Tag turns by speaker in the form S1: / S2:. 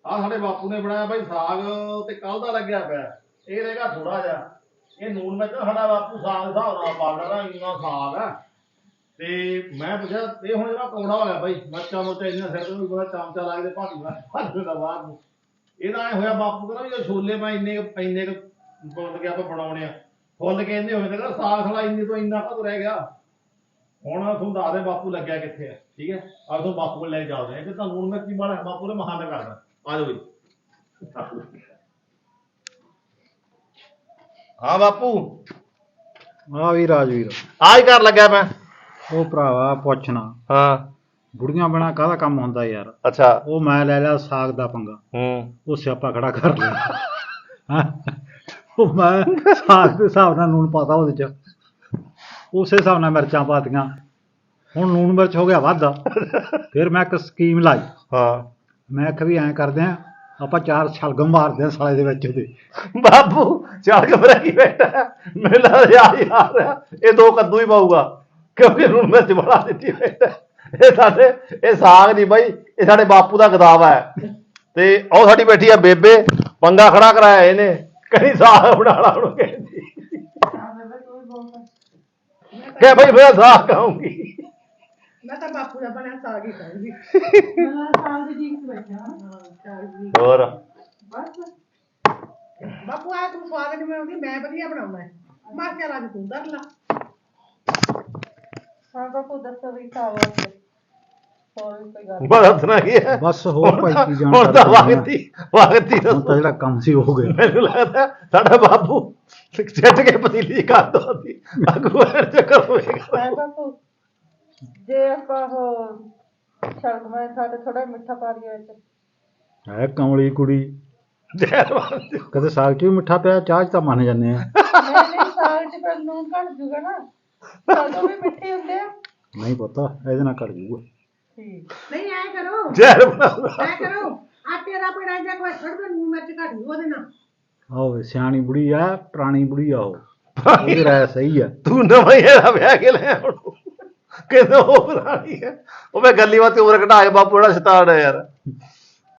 S1: ਆ ਸਾਡੇ ਬਾਪੂ ਨੇ ਬਣਾਇਆ ਬਾਈ ਸਾਗ ਤੇ ਕੱਲ ਦਾ ਲੱਗਿਆ ਪਿਆ। ਇਹ ਰਹੇਗਾ ਥੋੜਾ ਜਿਹਾ। ਇਹ ਨੂਨ ਮਿਰਚ ਸਾਡਾ ਬਾਪੂ ਸਾਗ ਦੇ ਹਿਸਾਬ ਨਾਲ ਪਾ ਲੈਣਾ, ਇੰਨਾ ਸਾਗ ਆ। ਤੇ ਮੈਂ ਪੁੱਛਿਆ ਇਹ ਹੁਣ ਜਿਹੜਾ ਕੌੜਾ ਹੋਇਆ ਬਾਈ, ਮਿਰਚਾਂ ਮੁਰਚਾਂ ਇੰਨਾ ਸਿਰ ਤੋਂ ਵੀ ਬੜਾ ਚਮਚਾ ਲੱਗਦੇ ਭਾਂਡੀ ਦਾ ਬਾਹਰ ਨੂੰ। ਇਹਦਾ ਐ ਹੋਇਆ ਬਾਪੂ ਕਹਿੰਦਾ ਵੀ ਛੋਲੇ ਮੈਂ ਇੰਨੇ ਕੁ ਬੋਲ ਕੇ ਆਪਾਂ ਬਣਾਉਣੇ ਆ, ਫੁੱਲ ਕੇ ਇੰਨੇ ਹੋਏ ਤੇ ਕਹਿੰਦਾ ਸਾਗ ਸਾਲਾ ਇੰਨੇ ਤੋਂ ਇੰਨਾ ਕਦੋਂ ਰਹਿ ਗਿਆ। ਹੁਣ ਤੁਹਾਨੂੰ ਦੱਸਦੇ ਬਾਪੂ ਲੱਗਿਆ ਕਿੱਥੇ ਆ। ਠੀਕ ਹੈ, ਆ ਤੁਹਾਨੂੰ ਬਾਪੂ ਕੋਲ ਲੈ ਕੇ ਚੱਲਦੇ ਆ ਕਿ ਤੁਹਾਨੂੰ ਹੁਣ ਮੈਂ ਕੀ ਬਣਾ ਬਾਪੂ ਨੇ ਮਹਾਨ ਕਰਦਾ। ਆ ਜਾਓ ਜੀ। ਹਾਂ ਬਾਪੂ।
S2: ਹਾਂ ਵੀ ਰਾਜਵੀਰ,
S1: ਆ ਹੀ ਕਰ ਲੱਗਿਆ ਮੈਂ।
S2: ਉਹ ਭਰਾਵਾ ਪੁੱਛਣਾ,
S1: ਹਾਂ
S2: ਬੁੜੀਆਂ ਬਿਨਾ ਕਾਹਦਾ ਕੰਮ ਹੁੰਦਾ ਯਾਰ।
S1: ਅੱਛਾ।
S2: ਉਹ ਮੈਂ ਲੈ ਲਿਆ ਸਾਗ ਦਾ ਪੰਗਾ, ਉਹ ਸਿਆਪਾ ਖੜਾ ਕਰ ਲਿਆ। ਹੈਂ? ਉਹ ਮੈਂ ਸਾਗ ਦੇ ਹਿਸਾਬ ਨਾਲ ਨੂਣ ਪਾਤਾ ਉਹਦੇ ਚ, ਉਸੇ ਹਿਸਾਬ ਨਾਲ ਮਿਰਚਾਂ ਪਾਤੀਆਂ। ਹੁਣ ਨੂਣ ਮਿਰਚ ਹੋ ਗਿਆ ਵੱਧ। ਫਿਰ ਮੈਂ ਇੱਕ ਸਕੀਮ ਲਾਈ।
S1: ਹਾਂ,
S2: ਮੈਂ ਆਖਿਆ ਵੀ ਐਂ ਕਰਦੇ ਆ, ਆਪਾਂ 4 ਛਲਗਮ ਮਾਰਦੇ ਆ ਸਾਲੇ ਦੇ ਵਿੱਚ ਉਹਦੇ।
S1: ਬਾਪੂ ਸ਼ਲਗਮ ਕੀ ਬੈਠਾ ਮੇਲਾ ਯਾਰ ਇਹ 2 ਕੱਦੂ ਹੀ ਪਾਊਗਾ ਕਿਉਂਕਿ ਹੁਣ ਮਿਰਚ ਬਣਾ ਦਿੱਤੀ ਬੈਠਾ। ਇਹ ਸਾਡੇ ਇਹ ਸਾਗ ਨਹੀਂ ਬਾਈ, ਇਹ ਸਾਡੇ ਬਾਪੂ ਦਾ ਗਦਾਵਾ ਹੈ। ਤੇ ਉਹ ਸਾਡੀ ਬੈਠੀ ਆ ਬੇਬੇ, ਪੰਗਾ ਖੜਾ ਕਰਾਇਆ ਇਹਨੇ, ਕहीं ਸਾਗ ਬਣਾ ਲਾ ਉਹਨੂੰ ਕਹਿੰਦੀ ਕਿ ਭਾਈ ਮੈਂ ਸਾਗ ਖਾਊਂਗੀ।
S3: ਮੈਂ ਤਾਂ ਬਾਪੂ ਦਾ ਬਣਿਆ ਸਾਗ ਹੀ ਖਾਊਂਗੀ।
S1: ਹੋਰ
S3: ਬਾਪੂ ਆ ਤੂੰ ਸਵਾਦ ਨਹੀਂ ਬਣਾਉਂਦੀ, ਮੈਂ ਵਧੀਆ ਬਣਾਉਣਾ। ਮੈਂ ਕਿਹਾ ਅੱਜ ਤੂੰ ਕਰ ਲਾ।
S4: ਹਾਂ ਬਾਪੂ ਦੱਸੋ ਵੀ ਖਾਵਾ ਹੋਰ ਕੋਈ ਗੱਲ
S1: ਬਸ ਨਾ ਕੀ ਹੈ,
S2: ਬਸ ਹੋਰ ਭਾਈ ਕੀ ਜਾਣ
S1: ਹੁਣ ਤਾਂ ਵਗਤੀ
S2: ਹੁਣ ਤਾਂ ਜਿਹੜਾ ਕੰਮ ਸੀ ਹੋ ਗਿਆ।
S1: ਮੈਨੂੰ ਲੱਗਦਾ ਸਾਡਾ ਬਾਪੂ ਛੱਡ ਕੇ ਪਤੀਲੀ ਕਰ ਦੋ ਦੀ ਅੱਗੂ ਚੱਕਰ ਹੋਏਗਾ।
S4: ਹੈ ਬਾਪੂ। ਜੇ ਆਪਾਂ ਉਹ ਸ਼ਲਗਮਾਂ ਸਾਡੇ ਥੋੜਾ ਮਿੱਠਾ ਪਾ ਦਈਏ ਵਿੱਚ।
S2: ਹੈ ਕਮਲੀ ਕੁੜੀ,
S1: ਨਹੀਂ
S2: ਕਦੇ ਸਾਗ ਚ ਵੀ ਮਿੱਠਾ ਪਿਆ, ਚਾਹ ਚ ਤਾਂ ਮੰਨ ਜਾਂਦੇ ਆ।
S4: ਨਹੀਂ ਸਾਗ ਚ ਫਿਰ ਲੂਣ ਘੱਟ ਜੂਗਾ ਨਾ, ਸਾਗ ਵੀ ਮਿੱਠੇ ਹੁੰਦੇ ਆ।
S2: ਨਹੀਂ ਪਤਾ, ਇਹਦੇ ਨਾਲ ਘੱਟ ਜੂਗਾ।
S4: ਠੀਕ।
S3: ਨਹੀਂ ਐ ਕਰੋ,
S1: ਜ਼ਹਿਰ ਬਣਾਉਂਦਾ।
S3: ਐ ਕਰੋ, ਆਟੇ ਦਾ ਪੇੜਾ ਜਾਂ ਕੋਈ ਛੱਡ ਦੇ, ਨੂਣ ਮਿਰਚ ਘੱਟ ਜੂ ਉਹਦੇ ਨਾਲ।
S2: ਆਹੋ ਸਿਆਣੀ ਬੁੜੀ ਆ, ਪੁਰਾਣੀ ਬੁੜੀ ਆ ਉਹ, ਉਹਦੀ ਰਾਇ ਸਹੀ ਆ।
S1: ਤੂੰ ਨਵਾਂ ਹੀ ਇਹਦਾ ਵਿਆਹ ਕੇ ਲੈ ਹੁਣ ਕਹਿੰਦਾ ਉਹ ਪੁਰਾਣੀ ਹੈ। ਉਹ ਮੈਂ ਗੱਲੀ ਬਾਤ ਉਮਰ ਘਟਾ ਕੇ ਬਾਪੂ ਜਿਹੜਾ ਸ਼ੈਤਾਨ ਹੈ ਯਾਰ।